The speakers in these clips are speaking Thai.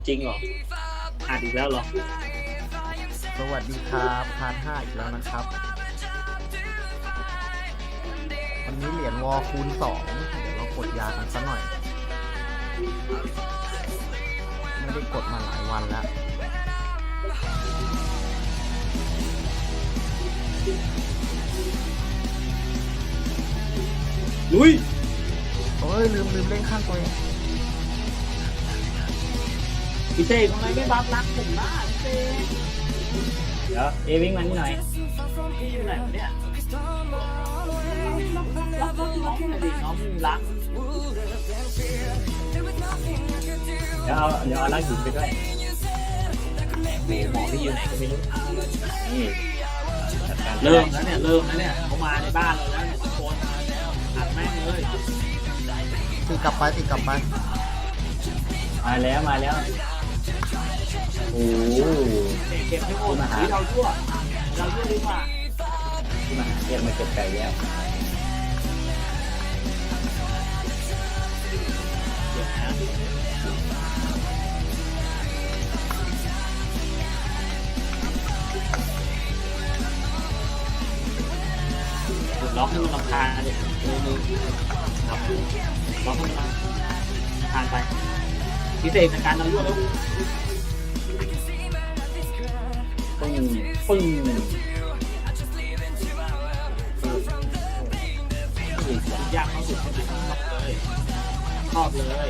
จริงเหรออ่านอีกแล้วเหรอสวัสดีครับพาร์ท5อีกแล้วนะครับวันนี้เหรียญวอคูณ2เดี๋ยวเรากดยากันสักหน่อยไม่ได้กดมาหลายวันแล้วลุยโอ้ยลืมเล่นข้างตัวเองพี่เต้ทำไมไม่บัฟรักผมล่ะพี่เต้เดี๋ยววิ่งมานี่หน่อยพี่อยู่ไหนวะเนี่ยรักน้องหน่อยดิน้องมีรักเดี๋ยวเอารักหินไปด้วยหมอพี่อยู่ไหนก็ไม่รู้นี่เริ่มแล้วเนี่ยเขามาในบ้านเราแล้วทุกคนอัดแม่งเลยตีกลับไปมาแล้วโอ้เก็บให้หมดเราด้วยดีกว่ามาเก็บมาเก็บไก่แล้วเดี๋ยวนะล็อกให้มันรำคาญนะเด็กมือล็อกให้มันรำคาญไปพิเศษในการเราด้วยแล้วปึ้งยากเข้าสุดชอบเลย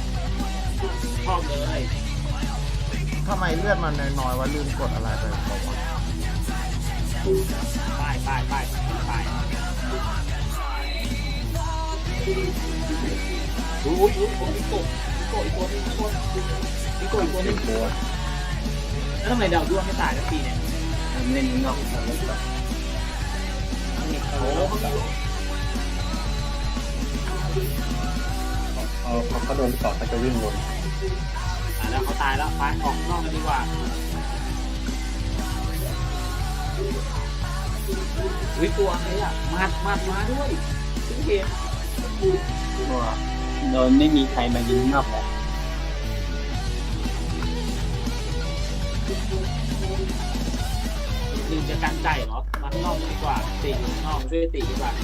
ทำไมเลือดมันน้อยๆวะลืมกดอะไรไปบอกว่าไปดูอีกตัวนึงแล้วทำไมดาวด้วงไม่ตายสักทีเนี่ยเล่นนอกจากนี้ก่อนเขาโดนเกาะเขาจะวิ่งวนแล้วเขาตายแล้วไปออกนอกกันดีกว่าตัวอะไรอ่ะมาด้วยทุกเกมโดนไม่มีใครมายิงนอกแล้วลืมจะกันใจเหรอมาข้างนอกดีกว่าตีนอกช่วยตีดีกว่า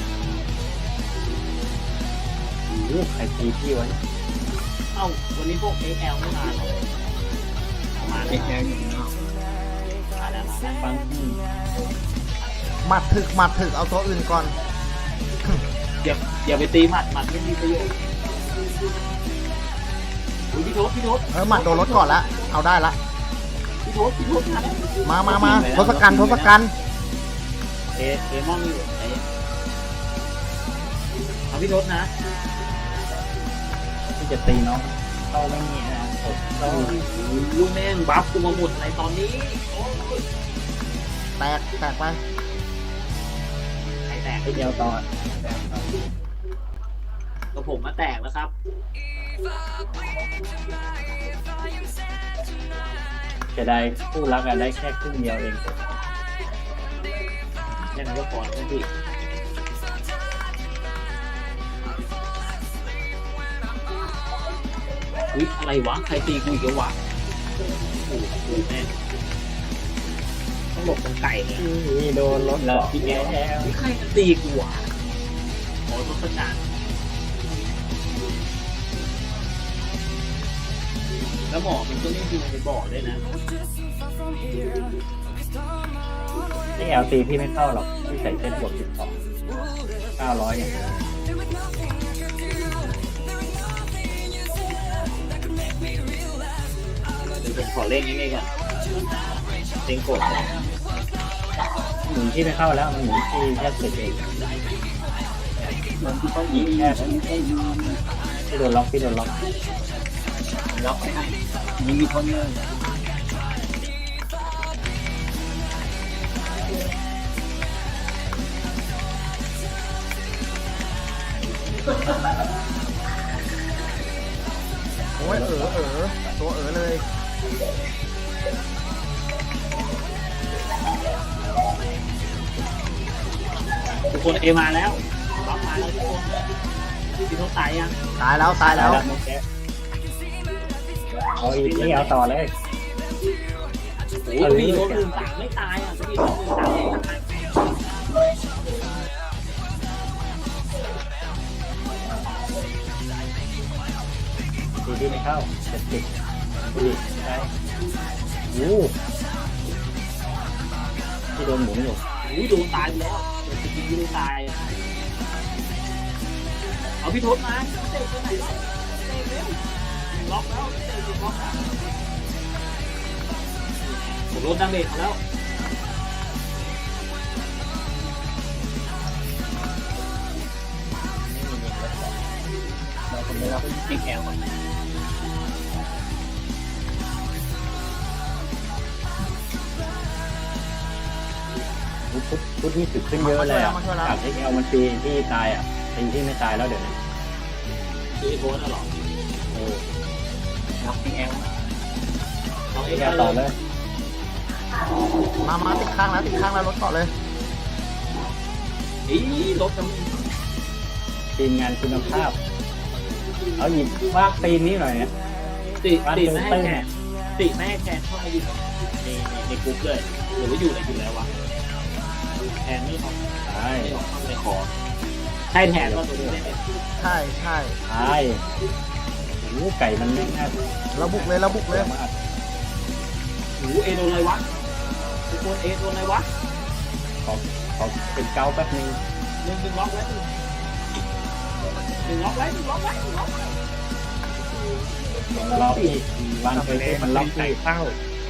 ใครตีพี่วะเอ้าวันนี้พวก XL ไม่มาหรอมา XL อยู่นอกมาแล้วฟังหมัดถึกเอาตัวอื่นก่อนอย่าไปตีหมัดไม่มีประโยชน์พี่ทบหมัดโดนรถก่อนแล้วเอาได้ละพี่ทบมาทศกัณฐ์มองอยู่ไหนเอาพี่ทบนะที่จะตีน้องเข้าไม่มีนะลูกแม่งบัฟกูมาหมดในตอนนี้แตกไปแตกไปเดียวตอนก็ผมมาแตกแล้วครับจะได้คู่รักกันได้แค่ครึ่งเดียวเองแค่นั้นก็พอแล้วพี่อะไรวะใครตีกูอีกวะโอ้โหแม่ต้องหลบตรงไก่เนี่ยนี่โดนรถแล้วพี่แอ๊ใครจะตีกูวะโอ้ต้องประจานแล้วหมอมันก็ไม่ยิงไปบอกเลยนะนี่LTพี่ไม่เข้าหรอกพี่ใส่เส้นบวก12,900เนี่ยผมขอเล่นง่ายๆก่อนเล่นกดหมุนที่ไม่เข้าแล้วมันหมุนที่แค่เสร็จเองมันที่ต้องยิงแค่ที่โดนล็อกมีคนเลยโอ้ยตัวเลยทุกคนมาแล้วล็อกมาแล้วทุกคนพี่ทบตายยังตายแล้วเอาอีกนี่เอาต่อเลยโอ้ยมีโดน1-3ไม่ตายอ่ะจะมีโดน1-3ไม่ตายตีที่ไม่เข้า70ดีใช่โอ้ที่โดนหมุนอยู่โอ้ยโดนตายไปแล้วโดนจริงๆโดนตายเอาพี่ทศมาเตะไปไหนแล้วเตะเร็วล็อกแล้วเตะล็อกแล้วผมโดนดังเบรกแล้วเราคนนี้เราก็ยิงแอลมันพุทธนี่สึกขึ้นเยอะเลยอ่ะจากที่เอามันตีที่ตายอ่ะตีที่ไม่ตายแล้วเดี๋ยวนี้คือไอ้โบนน่ะหรอ ล็อกแอลล็อกแกแอลต่อเลยมาติดข้างแล้วรถเกาะเลยอีรถมันทีมงานคุณภาพเอาหยิบวากตีนนี้หน่อยเนี่ยติไม่ให้แขนติไม่ให้แขนเข้ามาอยู่ในกรุ๊ปเลยหรือว่าอยู่ไหนอยู่แล้ววะแขนไม่ออกใช่ไม่ออกเข้าในคอใช่แทนว่าตัวนี้ได้ไหมใช่ใช่โอ้ไก่มันไม่ง่ายเราบุกเลยมากโอ้เอโดนอะไรวะทุกคนเอโดนอะไรวะขอเป็นเกาแป๊บนึงหนึ่งล็อกไว้หนึ่งล็อกไว้ล็อกอีกวางไปมันล็อกที่เข้า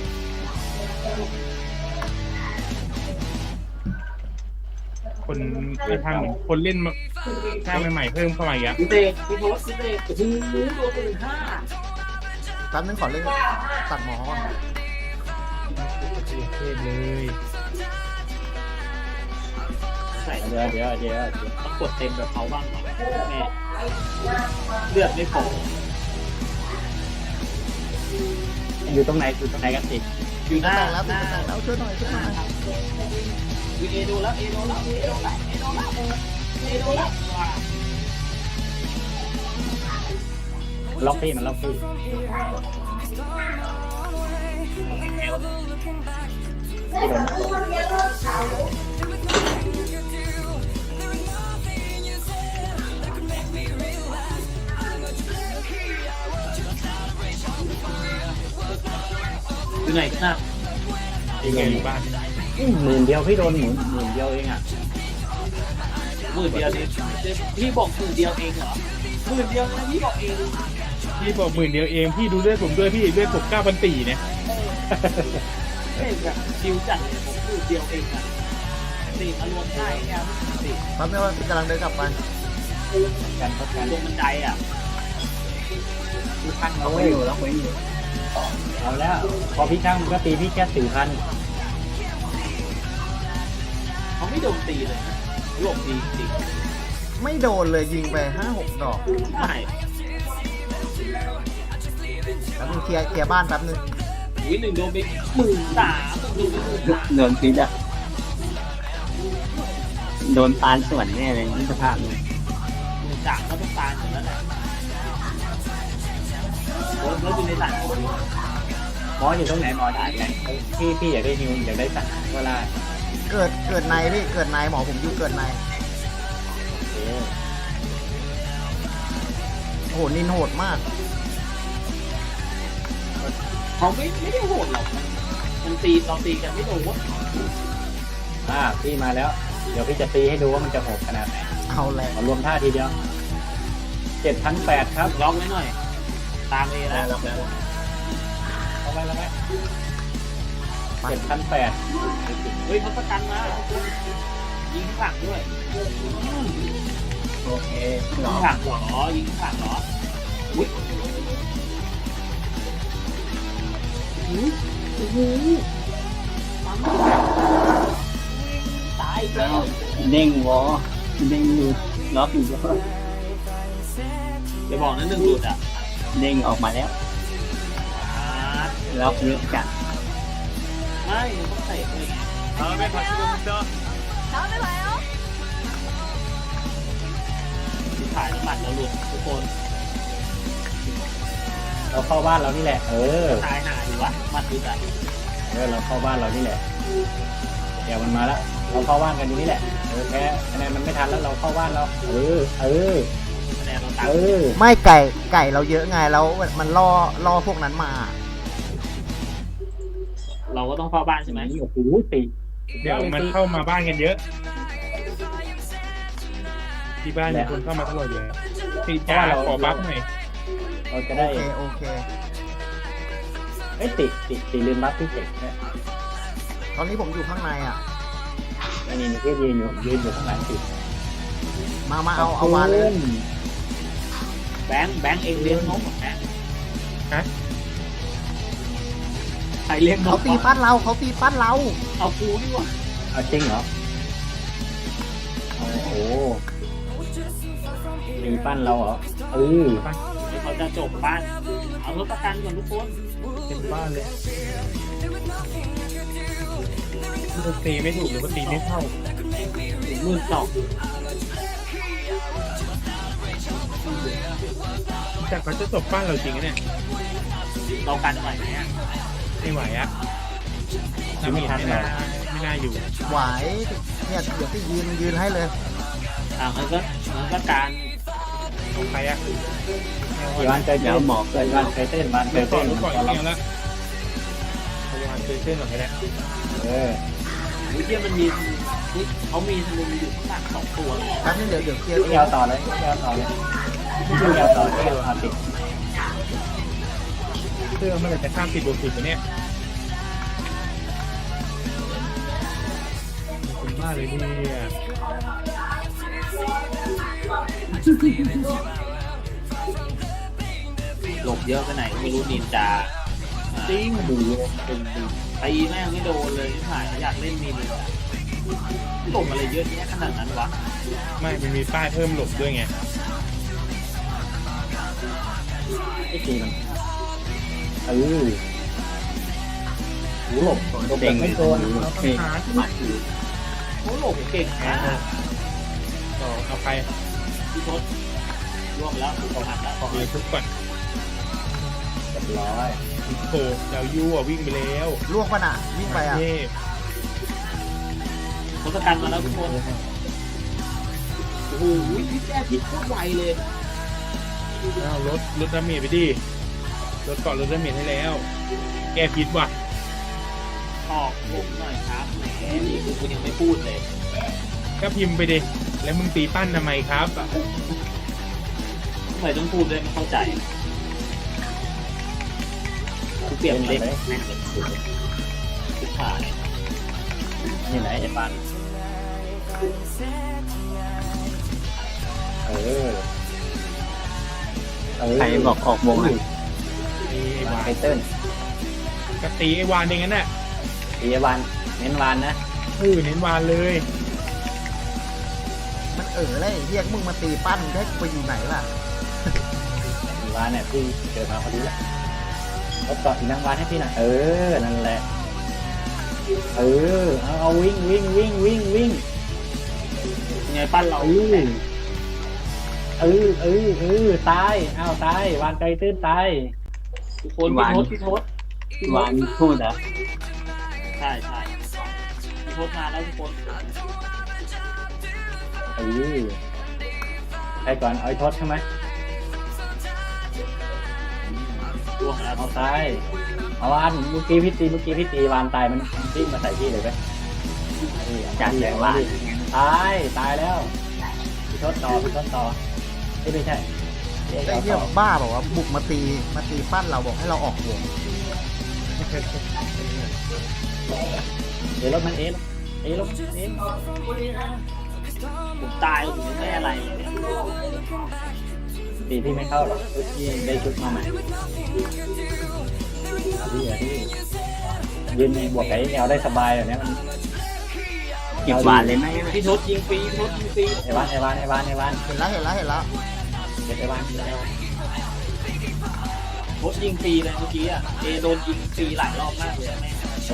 คนไปทางเหมือนคนเล่นมาสร้างใหม่ๆเพิ่มเข้ามาอีกอะพี่เตพี่โทษพี่เตโอ้โหโดน1-5 แป๊บนึงขอเล่นตัดหมอก่อนเทพเลยใส่เดี๋ยวต้องกดเต็มแบบเขาบ้างหน่อยแม่เลือดไม่พออยู่ตรงไหนกันสิอยู่หน้าแล้วช่วยหน่อยวิเอโดนแล้วว้าล็อกที่มันล็อกที่ ที่โดนอยู่ไหนกันนะยังไงอยู่บ้าน 10,000 เดียวพี่โดนหมุน10,000 เดียวเองอ่ะ 10,000 เดียวนี่พี่บอก10,000 เดียวเองเหรอ10,000 เดียวนะพี่บอกเองพี่บอก10,000 เดียวเองพี่ดูเลือดผมด้วยพี่เลือดผม9,400เนี่ยเฮ้ยแบบชิวจัดเลยผม10,000 เดียวเองอ่ะตีมารวมได้เนี่ยตีแป๊บนึงว่ากำลังเดินกลับไปกันพักกันลงบันไดอ่ะตั้งเอาไว้อยู่แล้วเอาแล้ว พอพี่ช่างก็ตีพี่แค่4,000 เขาไม่โดนตีเลยหลบดีจริงไม่โดนเลยยิงไป5-6 ดอกไม่แป๊บนึงเคลียร์บ้านแป๊บนึงวิ1โดนไป13,000โดนไป13,000 โดนพิษอะโดนปานส่วนแน่เลยนี่สภาพนี้ 13,000ก็ต้องตายหมดแล้วแหละแล้วอยู่ในสายหมออยู่ตรงไหนหมอได้ไหนพี่อยากได้ฮิวอยากได้สั่งก็ได้เกิดในพี่เกิดในหมอผมอยู่เกิดในโอเคโอ้โหนินโหดมากเขาไม่ได้โหดหรอกมันตีเราตีกันไม่โดนวะพี่มาแล้ว เดี๋ยวพี่จะตีให้ดูว่ามันจะโหดขนาดไหนเอาแหละมารวมท่าทีเดียว 7,800 ครับล็อกไว้หน่อย ตามเอแล้วเอาไว้7,800 เฮ้ยเขาประกันมายิงข้างหลังด้วยโอเคยิงข้างหลังเหรอยิงข้างหลังเหรออุ้ยโอ้โหตายแล้วเด้งวอเด้งอยู่ล็อกอยู่อย่าบอกนะ1 หลุดอ่ะเด้งออกมาแล้วล็อกเยอะจัดไม่ต้องเตะเลยถ่ายน้ำมันแล้วหลุดทุกคนไปเราเข้าบ้านเรานี่แหละตายหาอยู่วะมัดดูอ่ะเราเข้าบ้านเรานี่แหละเดี๋ยวมันมาแล้วเราเข้าบ้านกันอยู่นี่แหละแพ้คะแนนมันไม่ทันแล้วเราเข้าบ้านเราคะแนนเราตามไม่ไก่เราเยอะไงแล้วมันล่อพวกนั้นมาเราก็ต้องเข้าบ้านใช่ไหมโอ้โหตีเดี๋ยวมันเข้ามาบ้านกันเยอะ ที่บ้านมีคนเข้ามาตลอดเลยตีจ้าขอบัฟหน่อยเราจะโอได้เคโอเคตีลืมบัฟที่เจ็ดตอนนี้ผมอยู่ข้างในอ่ะนี่ที่ยืนอยู่ข้างหลังติมาเอามาเลยแบงค์เองเลี้ยงนกแบงค์ฮะใครเลี้ยงนเขากตีปั้นเราเอากูดีกว่าเอาจริงเหรอโอ้โหตีปั้นเราเหรอเดี๋ยวเขาจะจบบ้านเอารถประกันก่อนทุกคนเป็นบ้านเลยตีไม่ถูกหรือว่าตีไม่เข้า 12,000 แต่เขาจะจบบ้านเราจริงเนี่ยเรากันไหวไหมอ่ะไม่ไหวอะน้ำมีไม่น่าอยู่ไหวเนี่ยเดี๋ยวพี่ยืนให้เลยมันก็การของใครอะวันใจเต้นหมอกเลยวันใจเต้นวันใจเดี๋ยวก่อเต้นนรู้ก่อนเดียวแล้วพยายามเต้นหน่อยก็ได้วิเทียมันมีเขามีธนูอยู่ข้างหลัง2 ตัวเลยแป๊บนึงเดี๋ยวเคลียร์ไม่เอาต่อเลยติดเสื้อเมื่อไหร่จะข้าม10 บวก 10เนี่ยคุณมากเลยเนี่ยหลบเยอะไปไหนไม่รู้นินจาจริงดูเป็นตีแม่งไม่โดนเลยถ่ายอยากเล่นนินเลยหลบอะไรเยอะแยะขนาดนั้นวะไม่มันมีป้ายเพิ่มหลบด้วยไงไอ้ตีมันหลบไม่โดนเราต้องหาที่เขาหลบเก่งมากต่อเอาใครพี่ทศร่วมแล้วถูกหักแล้วขอเลยทุกก่อนเรียบร้อยโอ้โหเรายู่อ่ะวิ่งไปแล้วล่วงปะน่ะวิ่งไปอ่ะเทพทศกัณฐ์มาแล้วทุกคนโอ้โหพี่แก้พิษโคตรไวเลยเอารถดาเมจไปดิรถเกาะรถดาเมจให้แล้ว แก้พิษว่ะตอกผมหน่อยครับแหมนี่คือคุณยังไม่พูดเลยก็พิมพ์ไปดิแล้วมึงตีปั้นทำไมครับทำไมต้องพูดด้วยไม่เข้าใจกูเปรียบเล็กแม่งเลยทุกขานี่ไหนไอ้ปั้นใครบอกออกวงอ่ะตีไอ้วานไทเติ้ลก็ตีไอ้วานเองงั้นน่ะตีวันเน้นวันนะเน้นวานเลยมันเลยเรียกมึงมาตีปั้นให้กูไปอยู่ไหนล่ะตีวันเนี่ยพี่เจอมาพอดีแหละรถเกาะอีนางวันให้พี่หน่อยนั่นแหละเอาวิ่งไงปั้นเราตายอ้าวตายวานใจตื้นตายทุกคนพี่ทศวานพูดเหรอใช่พี่ทศมาแล้วทุกคนไปก่อนเอาไอ้ทศใช่ไหมร่วงแล้วเอาตายเอาวานเมื่อกี้พี่ตีวานตายมันวิ่งมาใส่พี่เลยไหมจากแสงวานตายแล้วพี่ทศต่อไม่ใช่ไอ้เหี้ยบ้าบอกว่าบุกมาตีปั้นเราบอกให้เราออกวงเดี๋ยวรถมันรถผมตายผมไม่อะไรเลยเนี่ยตีพี่ไม่เข้าหรอกพี่ได้ชุดมาใหม่พี่ยืนในบวกไก่แนวได้สบายแบบนี้มันเก็บวานเลยไหมพี่ทศยิงฟรีไอ้วานเห็นแล้วเก็บไอ้วานทศยิงฟรีเลยเมื่อกี้อ่ะโดนยิงฟรีหลายรอบมากเลยแม่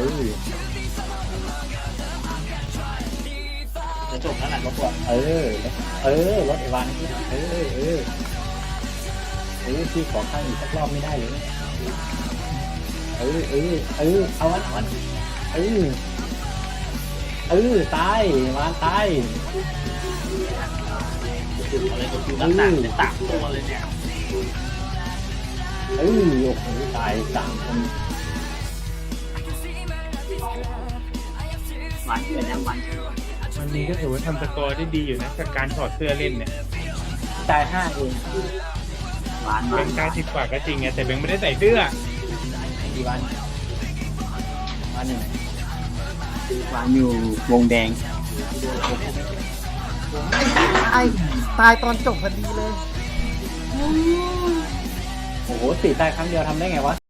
จะจบแล้วแหละรถรถไอ้วานพี่ขอข้างอีกสักรอบไม่ได้เลยเอาวันตายวานตายถึงอะไรก็คือรักษาเป็น3 ตัวเลยเนี่ยโอ้โหตาย3 คนหวานเป็นยังหวานวันนี้ก็ถือว่าทำสกอร์ได้ดีอยู่นะจากการถอดเสื้อเล่นเนี่ยตาย5เองหวานหเบวานง90 กว่าก็จริงไงแต่เบงไม่ได้ใส่เสื้อกี่วันอยู่ไหนหวานอยู่วงแดงตายตอนจบพอดีเลยโอ้โหตีตายครั้งเดียวทำได้ไงวะ